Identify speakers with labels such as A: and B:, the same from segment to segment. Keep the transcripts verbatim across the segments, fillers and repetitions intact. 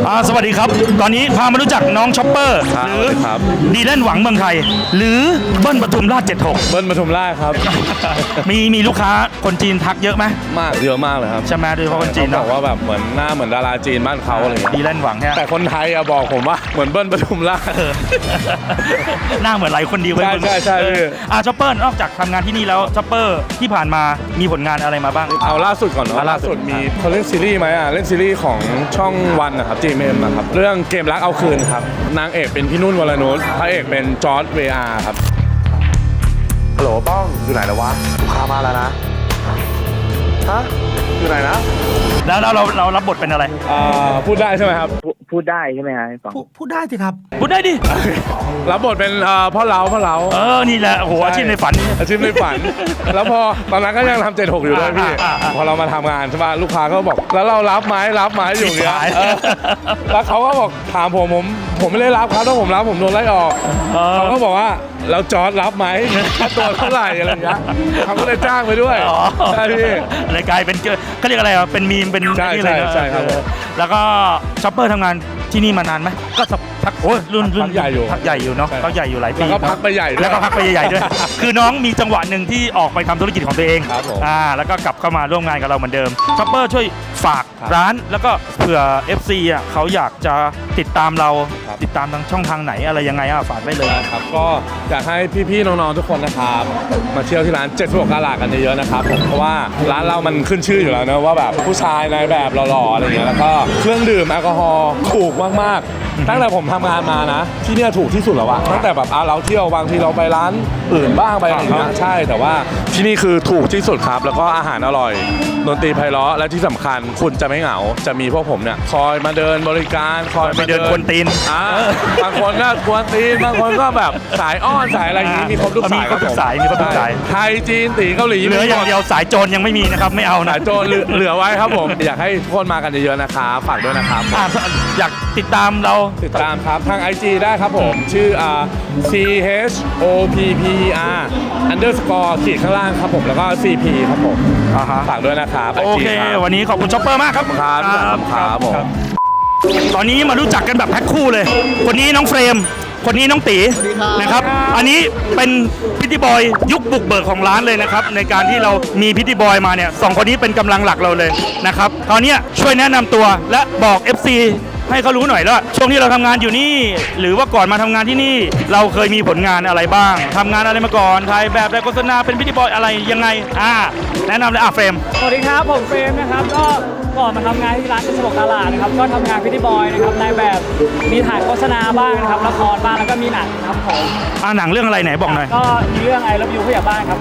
A: อ่าสวัสดีครับตอนนี้พามารู้จักน้องช็อปเปอร์หรือดีแลนหวังเมืองไทยหรือเบิ้ลปทุมราชเจ็ดหก
B: เบิ้ลปทุมราชครับ
A: มีมีลูกค้าคนจีนทักเยอะไหม
B: มากเยอะมากเลยครับ
A: ใช่ไหมโดยเฉพาะคนจีน
B: บ
A: เนาะ
B: อกว่าแบบเหมือนหน้าเหมือนดาราจีนบ้านเขาอะไรอย่างเงี้ย
A: ดีแลนหวังแค่
B: แต่คนไทยอะบอกผมว่าเหมือนเบิ้ลปทุมราช
A: หน้าเหมือนหลายคนดีเว้ย
B: ใช่ใช่ใช่พี่
A: อ่าช็อปเปอร์นอกจากทำงานที่นี่แล้วช็อปเปอร์ที่ผ่านมามีผลงานอะไรมาบ้าง
B: เอาล่าสุดก่อนเนาะ
A: อ่ะล่า
B: ล่า
A: สุ
B: สุ
A: ด
B: ดมีเขาเล่นซีรีส์ไหมอ่ะเล่นซีรีส์ของช่องวันนะครับ จี เอ็ม นะครับเรื่องเกมรักเอาคืนครับนางเอกเป็นพี่นุ่นวรนุชพระเอกเป็นจอร์จเวอาร์ครับฮัลโหลป้องอยู่ไหนแล้ววะลูกค้ามาแล้วนะฮะอยู่ไหนนะ
A: แล้วเราเราเรารับบทเป็นอะไร
B: อ่าพูดได้ใช่ไหมครับ
C: พูดได้ใช่ไหมฮะฟัง
D: พูดได้สิครับ
A: พูดได้ดิ
B: รับบทเป็นเอ่อพ่อเล้าพ่อเล้า
A: เออนี่แหละโอ้โหอาชีพในฝัน
B: อาชีพในฝัน แล้วพอตอนนั้นก็ยังทำเจ็ดหกอยู่ด้วยพี่
A: อ่าอ่าอ่า
B: พอเรามาทำงานใช่ป่ะลูกค้าก็บอก แล้วเรารับไหมรับไหมอยู่อย่างเงี้ย
A: ชิบหาย
B: เออแล้วเขาก็บอกถามผมผมผมไม่ได้รับครับถ้าผมรับผมโดนไล่ออก
A: เออ
B: เขาก็บอกว่าเราจอร์ดรับไหมค่าตัวเท่าไหร่อะไรอย่างเงี้ยเขาก็เลยจ้างไปด้วย
A: อ๋อ
B: ใช่พี่
A: เลยกลายเป็นเขาเรียกอะไรอ่ะเป็นมีมเป็น
B: ใช่
A: นี่เลยนะ
B: ใช่ใช่ครับ
A: เออแล้วก็ช็อปเปอร์ทำงานที่นี่มานานไหมก็สักพักโอ้ยรุ่นรุ่น
B: พักใหญ่อยู่
A: พักใหญ่อยู่เนาะ
B: ใช่
A: พักใหญ่อยู่หลายปี
B: แล้วก็พักไปใหญ่ด้วย
A: แล้วก็พักไปใหญ่ๆด้วย คือน้องมีจังหวะหนึ่งที่ออกไปทำธุรกิจของตัวเอง
B: ครับผม
A: อ่าแล้วก็กลับเข้ามาร่วมงานกับเราเหมือนเดิมช็อปเปอร์ช่วยฝาก
B: ครับ
A: ร้านแล้วก็เผื่อ เอฟ ซี อ่ะเขาอยากจะติดตามเรา
B: ครับ
A: ติดตามทางช่องทางไหนอะไรยังไงอ่ะฝากได้เลย
B: ครับก็อยากให้พี่ๆน้องๆทุกคนนะครับมาเที่ยวที่ร้านเจ็ดสิบหกกะลากันเยอะๆนะครับผมเพราะว่าร้านเรามันขึ้นชื่ออยู่แล้วนะว่าแบบผู้ชายในแบบหล่อๆอะไรเงี้ยแล้วก็เครื่องดื่มแอลกอฮอล์ถูกมากๆตั้งแต่ผมทำงานมานะที่เนี่ยถูกที่สุดแล้วอะตั้งแต่แบบอ่ะเราเที่ยวบางทีเราไปร้านอื่นบ้างไปอะไรเงี้ยใช่แต่ว่าที่นี่คือถูกที่สุดครับแล้วก็อาหารอร่อยดนตรีไพเราะและที่สำคัญคุณจะไม่เหงาจะมีพวกผมเนี่ยคอยมาเดินบริการคอย
A: ไปเดินกวนตีน
B: อ่าบางคนก็กวนตีนบางคนก็แบบสายอ้อนสายอะไรอย่างนี้มีครบทุกสาย
A: มีครบทุกสายมีครบทุกสาย
B: ไทยจีนตีเกาหลี
A: เหลืออย่างเดียวสายโจรยังไม่มีนะครับไม่เอานะ
B: สายโจรเหลือเหลือไว้ครับผม อยากให้ทุกคนมากันเยอะๆนะครับฝากด้วยนะครับ
A: อ่ะอยากติดตามเรา
B: ติดตามครับทาง ไอ จี ได้ครับผม ชื่ออ่า C H O P P E R underscore ขีดข้างล่างครับผมแล้วก็ ซี พี ครับผม
A: อ่าฮะ
B: ฝากด้วยนะครับ
A: โอเค วันนี้ขอบคุณช็อปเปอร์มากครับ
B: ครับครับผม
A: ตอนนี้มารู้จักกันแบบแพ็คคู่เลย คนนี้น้องเฟรม คนนี้น้องตีนะครับ อันนี้เป็นพิตตี้บอยยุคบุกเบิกของร้านเลยนะครับ ในการที่เรามีพิตตี้บอยมาเนี่ยสองคนนี้เป็นกำลังหลักเราเลยนะครับคราวนี้ช่วยแนะนำตัวและบอก เอฟ ซี ให้เขารู้หน่อยแล้วช่วงที่เราทำงานอยู่นี่ หรือว่าก่อนมาทำงานที่นี่ เราเคยมีผลงานอะไรบ้างทำงานอะไรมาก่อนถ่ายแบบได้โฆษณาเป็นพิตตี้บอยอะไรยังไงอ่าแนะนำเลยอ่ะเฟรม
E: สวัสดีครับผมเฟรมนะครับก็ก่อนมาทำงานที่ร้านกระสบกาลานะครับก็ทำงานพิธีบอยนะครับในแบบมีถ่ายโฆษณาบ้างนะครับละครบ้างแล้วก็มีหนังครับผม
A: อ่าหนังเรื่องอะไรไหนบอกหน่อย
E: ก็มีเรื่องไอรับยูผู้ใหญ่บ้านครับ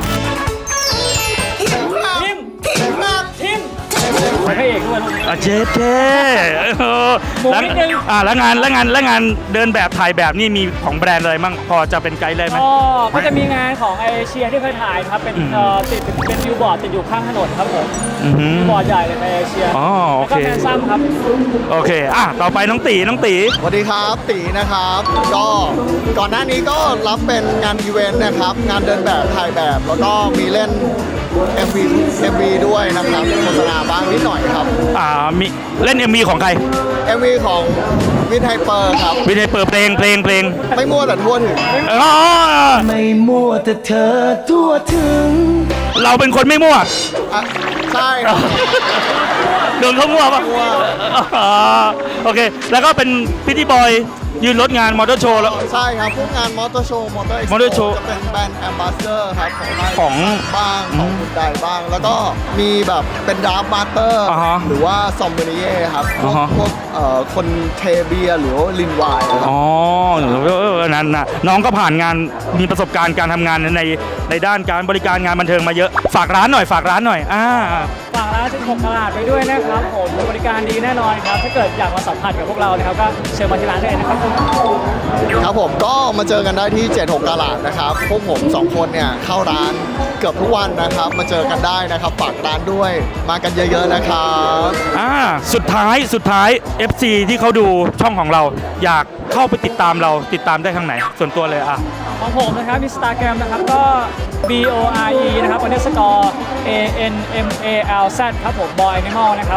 E: ทิมทิมทิมเป็นพระเอกด้วยลูก
A: อ่ะเจ๊เจ๊เออ
E: หมู
A: แล้ว
E: นิดนึง
A: อ่าแล้วงานแล้วงานแล้วงานเดินแบบถ่ายแบบนี่มีของแบรนด์อะไรมั่งพอจะเป็นไกด์ได้ไหม
E: ก็ก็จะมีงานของไอเชียที่เคยถ่ายนะครับเป็นเอ่อติดเป็นบิลบอร์ดติดอยู่ข้างถนนครับผม
A: อือหือ
E: บิลบอร์ดใหญ่เลยในเอเชีย
A: อ๋อโอ
E: แล้วก็
A: เค
E: แมนซัมครับ
A: โอเคอ่ะต่อไปน้องตีน้องตี
D: สวัสดีครับตีนะครับ ก็ก่อนหน้านี้ก็รับเป็นงานอีเวนต์นะครับ งานเดินแบบถ่ายแบบ แล้วก็มีเล่น เอ็ม วี เอ็ม วี ด้วยนะครับโฆษณาบ้างนิดหน่อยครับ
A: อ่ามีเล่น เอ็ม วี ของใคร
D: เอ็ม วี ของวินไฮเปอร์ครับ
A: วินัยเปิดเพลงเพลงเพลง
D: ไม่มั่วแต่ทั่วถึง
A: อ๋อ
F: ไม่มัวแต่เธอทั่วถึง
A: เราเป็นคนไม่มั่ว
D: อ่ะใช่ครับ
A: โดนเขามั่วปะ
D: มั่ว
A: อ๋อโอเค แล้วก็เป็นพิธีบอยยืนรถงานมอเตอร์โชว์แล้ว
D: ใช่ครับพวกงานมอเตอร์โชว์มอเตอร์
A: Motor Show
D: จะเป็นแบรนด์แอมบาสเดอร์ครับของไทย
A: ของ
D: บ้างของคุณใดบ้าง แล้วก็มีแบบเป็นดราฟมาสเตอร์
A: อ่าฮะ
D: หรือว่าซอมเบเนียครับพวก
A: อ่าฮะ
D: พวกเอ่อคนเทเบียร์หรือว่าลินไวน์ครับ
A: อ๋อเออนั่นนะน้องก็ผ่านงานมีประสบการณ์การทำงานในในด้านการบริการงานบันเทิงมาเยอะฝากร้านหน่อยฝากร้านหน่อยอ่า
E: ฝากร้านสิบหกตลาดไปด้วยนะครับผมบริการดีแน่นอนครับถ้าเกิดอยากมาสัมผัสกับพวกเรานะครับก็เชิญมาที่ร้านได้เลยนะครับ
D: ครับผมก็มาเจอกันได้ที่เจ็ดหกกะหลาดนะครับพวกผมสองคนเนี่ยเข้าร้านเกือบทุกวันนะครับมาเจอกันได้นะครับฝากร้านด้วยมากันเยอะๆนะครับ
A: อ่าสุดท้ายสุดท้าย เอฟ ซี ที่เขาดูช่องของเรา อยากเข้าไปติดตามเราติดตามได้ทางไหน ส่วนตัวเลยอ่ะ
E: ของผมนะครับอินสตาแกรมนะครับก็ B O R E นะครับ underscore A N M A L Z ครับผม Boy Animal นะครับ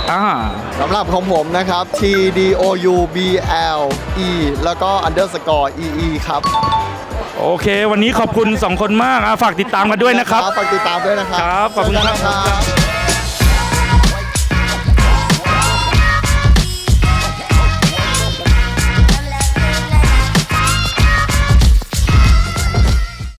A: อ่า
D: สำหรับของผมนะครับ T D O U B L E แล้วก็ underscore E E ครับ
A: โอเค วันนี้ขอบคุณสองคนมากอ่ะฝากติดตามกันด้วยนะครับ
D: ฝากติดตามด้วยนะครับ
A: ครับขอบคุณครับ
D: เจกันนะครับ